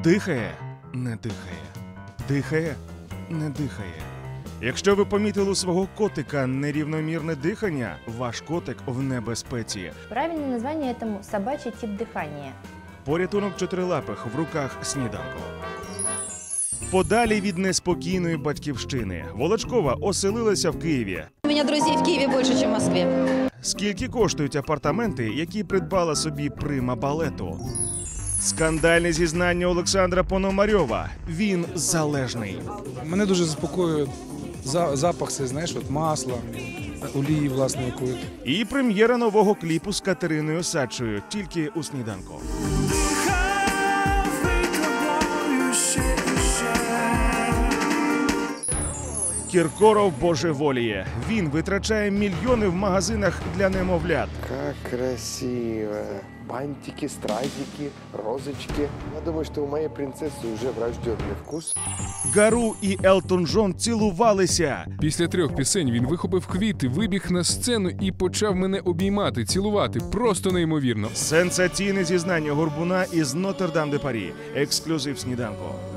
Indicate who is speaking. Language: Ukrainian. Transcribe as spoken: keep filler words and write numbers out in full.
Speaker 1: Дихає, не дихає. Дихає, не дихає. Якщо ви помітили у свого котика нерівномірне дихання, ваш котик в небезпеці.
Speaker 2: Правильное название этому – собачий тип дыхания.
Speaker 1: Порятунок чотирилапих в руках сніданку. Подалі від неспокійної батьківщини. Волочкова оселилася в Києві.
Speaker 3: У меня друзей в Киеве больше, чем в Москве.
Speaker 1: Скільки коштують апартаменти, які придбала собі прима балету? Скандальне зізнання Олександра Пономарьова. Він залежний.
Speaker 4: Мене дуже заспокоює за- запах, це, знаєш, от масла, олії, власне, якої.
Speaker 1: І прем'єра нового кліпу з Катериною Садчою. Тільки у сніданку. Кіркоров божеволіє. Він витрачає мільйони в магазинах для немовлят.
Speaker 5: Как красиво. Бантики, стразики, розочки. Я думаю, что у моей принцессы уже врожденный вкус.
Speaker 1: Гару і Елтон Джон цілувалися.
Speaker 6: Після трьох пісень він вихопив квіти, вибіг на сцену і почав мене обіймати, цілувати. Просто неймовірно.
Speaker 1: Сенсаційне зізнання Горбуна із Нотр-Дам-де-Парі. Ексклюзив сніданку.